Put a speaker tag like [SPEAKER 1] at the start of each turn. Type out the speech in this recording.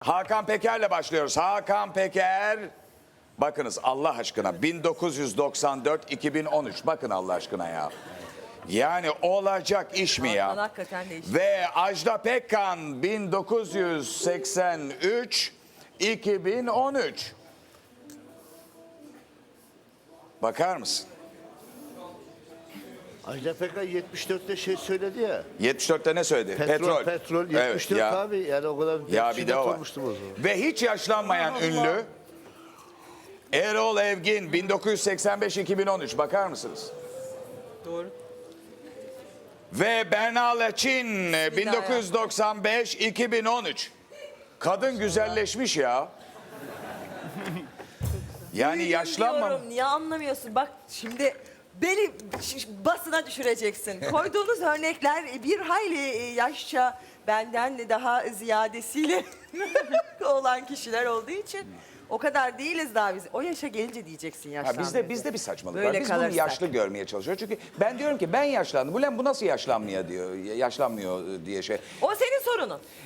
[SPEAKER 1] Hakan Peker'le başlıyoruz. Hakan Peker. Bakınız Allah aşkına 1994-2013. Bakın Allah aşkına ya. Yani olacak iş mi ya?
[SPEAKER 2] Hakikaten değişik.
[SPEAKER 1] Ve Ajda Pekkan 1983-2013. Bakar mısın?
[SPEAKER 3] Ajda Pekkan 74'te şey söyledi ya.
[SPEAKER 1] 74'te ne söyledi?
[SPEAKER 3] Petrol. 74
[SPEAKER 1] ya.
[SPEAKER 3] abi. Yani o kadar
[SPEAKER 1] Ya bir de o var.
[SPEAKER 3] olmuştum o zaman.
[SPEAKER 1] Ve hiç yaşlanmayan ünlü Erol Evgin 1985-2013. Bakar mısınız?
[SPEAKER 2] Doğru.
[SPEAKER 1] Ve Berna Laçin 1995-2013. Kadın güzelleşmiş ya. Yani yaşlanmam.
[SPEAKER 2] Diyorum, niye anlamıyorsun? Bak şimdi beni basına düşüreceksin. Koyduğunuz örnekler bir hayli yaşça benden de daha ziyadesiyle olan kişiler olduğu için o kadar değiliz daha biz. O yaşa gelince diyeceksin
[SPEAKER 1] Ha,
[SPEAKER 2] yaşlandı.
[SPEAKER 1] bizde bir saçmalık
[SPEAKER 2] Böyle
[SPEAKER 1] var. Biz bunu
[SPEAKER 2] kalırsak.
[SPEAKER 1] yaşlı görmeye çalışıyoruz. Çünkü ben diyorum ki ben yaşlandım. Bu nasıl yaşlanmıyor diyor. Yaşlanmıyor diye şey.
[SPEAKER 2] O senin sorunun.